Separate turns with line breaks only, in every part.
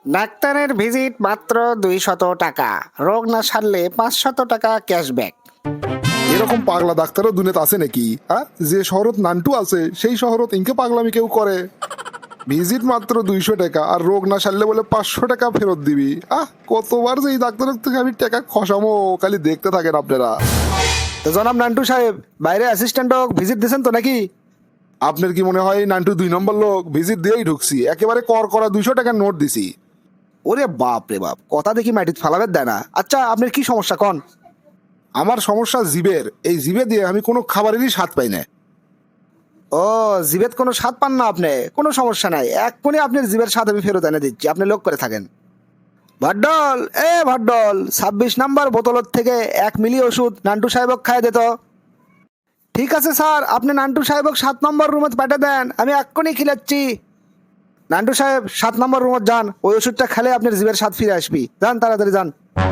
ডাক্তারের ভিজিট মাত্র 200 টাকা, রোগ না সারলে 500 টাকা ক্যাশব্যাক।
এরকম পাগলা ডাক্তারও দুনিয়াতে আছে নাকি? হ্যাঁ, যে শহরত নান্টু আছে সেই শহরত ইনকে পাগলামি কেউ করে? ভিজিট মাত্র 200 টাকা আর রোগ না সারলে বলে 500 টাকা ফেরত দিবি। কতবার যে এই ডাক্তারের থেকে আমি টাকা খসামো, খালি দেখতে থাকেন আপনারা।
তো জনাব নান্টু সাহেব, বাইরে অ্যাসিস্ট্যান্টক ভিজিট দিয়েছেন তো নাকি?
আপনার কি মনে হয় নান্টু 2 নম্বর লোক? ভিজিট দিয়েই ঢুকছি, একেবারে কর করা 200 টাকার নোট দিছি।
ওরে বাপ রে বাপ, কথা দেখি মাটিতে ফালাবের দেয় না। আচ্ছা, আপনার কি সমস্যা কন?
আমার সমস্যা জিবের, এই জিবে দিয়ে আমি কোনো খাবারেরই স্বাদ পাই না।
ও, জিবের কোনো স্বাদ পান না আপনি? কোনো সমস্যা নাই, এক্ষুনি আপনার জিবের স্বাদ আমি ফেরত এনে দিচ্ছি, আপনি লোক করে থাকেন। ভাড্ডল, ভাড্ডল, 26 নাম্বার বোতলত থেকে 1 মিলি ওষুধ নান্টু সাহেবক খাই দিত। ঠিক আছে স্যার, আপনি নান্টু সাহেবক 7 নম্বর রুমে পাঠিয়ে দেন, আমি এক্ষুনি খিলাচ্ছি। নান্টু সাহেব 7 নম্বর রুমে যান, ওই ওষুধটা খেলে আপনার জিবের স্বাদ ফিরে আসবি। যান, তাড়াতাড়ি যান।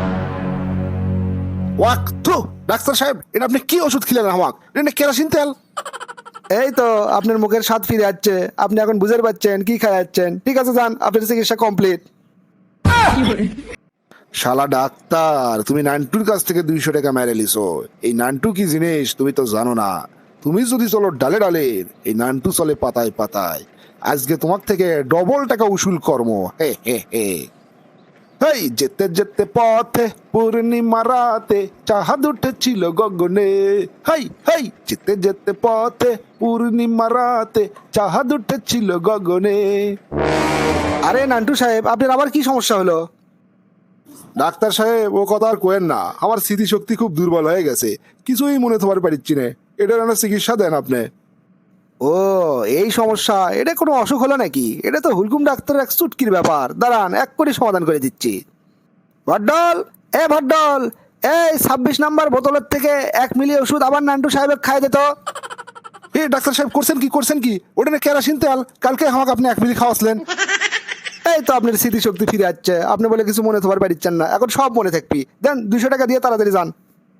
ওয়াক থু, ডাক্তার সাহেব এটা আপনি কি ওষুধ খেলেন আমাকে? এটা কেরোসিন তেল।
এই তো আপনার মুখের স্বাদ ফিরে যাচ্ছে, আপনি এখন বুঝতে পারছেন কি খাই যাচ্ছেন। ঠিক আছে, যান, আপনার চিকিৎসা কমপ্লিট।
শালা ডাক্তার, তুমি নান্টুর কাছ থেকে 200 টাকা মেরে লিছো। এই নান্টু কি জিনিস তুমি তো জানো না। তুমি যদি চলো ডালে ডালে, এই নান্টু চলে পাতায় পাতায়। আজকে তোমার থেকে ডবল টাকা উসুল কর্ম। হে হে হে। হেই, যেতে যেতে পথে পূর্ণিমা রাতে চাঁদ উঠেছিল গগনে। হেই হেই, যেতে যেতে পথে পূর্ণিমা রাতে চাঁদ উঠেছিল গগনে।
আরে নান্টু সাহেব, আপনার আবার কি সমস্যা হলো?
ডাক্তার সাহেব ও কথা আর কোয়েন না, আমার স্মৃতিশক্তি খুব দুর্বল হয়ে গেছে, কিছুই মনে থবার পারছি না। এটার একটা চিকিৎসা দেন আপনি।
ও, এই সমস্যা, এটা কোনো অসুখ হলো নাকি? এটা তো হুলকুম ডাক্তারের এক চুটকির ব্যাপার, দাঁড়ান এক্ষুনি সমাধান করে দিচ্ছি। ভড্ডল, ভড্ডল, এই 26 নাম্বার বোতলের থেকে 1 মিলি ওষুধ আবার নান্টু সাহেবের খাই দিত।
ডাক্তার সাহেব করছেন কি? ওটা না কেরোসিন তেল, কালকে আমাকে আপনি 1 মিলি খাওয়াছিলেন।
এই তো আপনার স্মৃতিশক্তি ফিরে যাচ্ছে, আপনি বলে কিছু মনে থবার পারছেন না, এখন সব মনে থাকবি। দেন 200 টাকা দিয়ে তাড়াতাড়ি যান।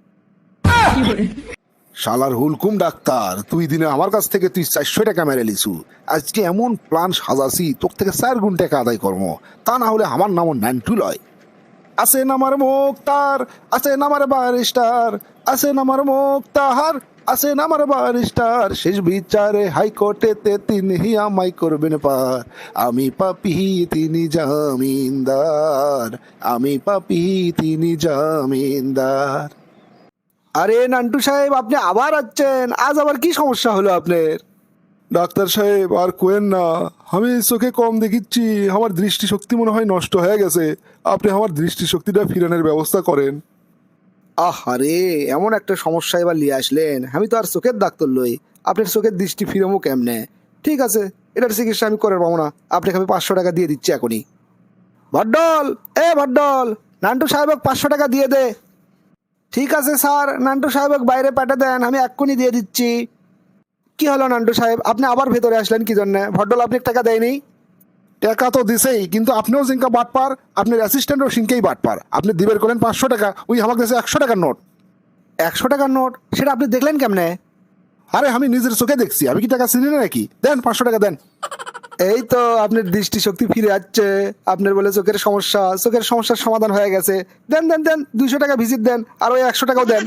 শালার হুলকুম ডাক্তার, তুই দিনে আমার কাছ থেকে তুই 400 টাকা মেরে লিছু। আজকে এমন প্ল্যান সাজাছি তোর থেকে 4 গুণ টাকা আদায় কর্ম, তা না হলে আমার নামও নান্টু লয়। আছেন আমার মুক্তার, আছেন আমার বারিস্টার, আছেন আমার মুক্তার, আছেন আমার বারিস্টার। শেষ বিচারে হাইকোর্টেতে তিনি আমায় করবেন পার। আমি পাপি তিনি জামিনদার, আমি পাপি তিনি জামিনদার।
আরে নান্টু সাহেব, আপনি আবার আসছেন, আজ আবার কি সমস্যা হলো আপনার?
ডাক্তার সাহেব আর কোয়েন না, আমি চোখে কম দেখিচ্ছি, আমার দৃষ্টিশক্তি মনে হয় নষ্ট হয়ে গেছে। আপনি আমার দৃষ্টিশক্তিটা ফিরানোর ব্যবস্থা করেন।
আরে, এমন একটা সমস্যা এবার নিয়ে আসলেন, আমি তো আর চোখের ডাক্তার লই, আপনার চোখের দৃষ্টি ফিরমো কেমনে? ঠিক আছে, এটার চিকিৎসা আমি করে পাবো না, আপনাকে আমি 500 টাকা দিয়ে দিচ্ছি এখনই। ভড্ডল, ভড্ডল, নান্টু সাহেবক 500 টাকা দিয়ে দে। ঠিক আছে স্যার, নান্টু সাহেবক বাইরে পাঠিয়ে দেন, আমি এক্ষুনি দিয়ে দিচ্ছি। কি হলো নান্টু সাহেব, আপনি আবার ভেতরে আসলেন কি জন্য? ভড্ডল আপনি টাকা দেয়নি?
টাকা তো দিছেই, কিন্তু আপনিও জিঙ্কা বাটপার, আপনার অ্যাসিস্ট্যান্টও সিংকেই বাটপার। আপনি দিবের করেন 500 টাকা, ওই আমার কাছে 100 টাকার নোট।
100 টাকার নোট? সেটা আপনি দেখলেন কেমনে?
আরে আমি নিজের চোখে দেখছি, আমি কি টাকা চিনি না নাকি? দেন 500 টাকা দেন।
এই তো আপনার দৃষ্টিশক্তি ফিরে যাচ্ছে, আপনার বলে চোখের সমস্যা, চোখের সমস্যার সমাধান হয়ে গেছে। দেন দেন দেন, 200 টাকা ভিজিট দেন, আর ওই 100 টাকাও দেন।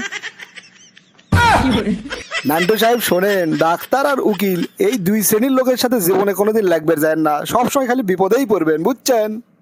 নান্টু সাহেব শোনেন, ডাক্তার আর উকিল এই 2 শ্রেণীর লোকের সাথে জীবনে কোনোদিন লাগবে যায় না, সবসময় খালি বিপদেই পড়বেন, বুঝছেন?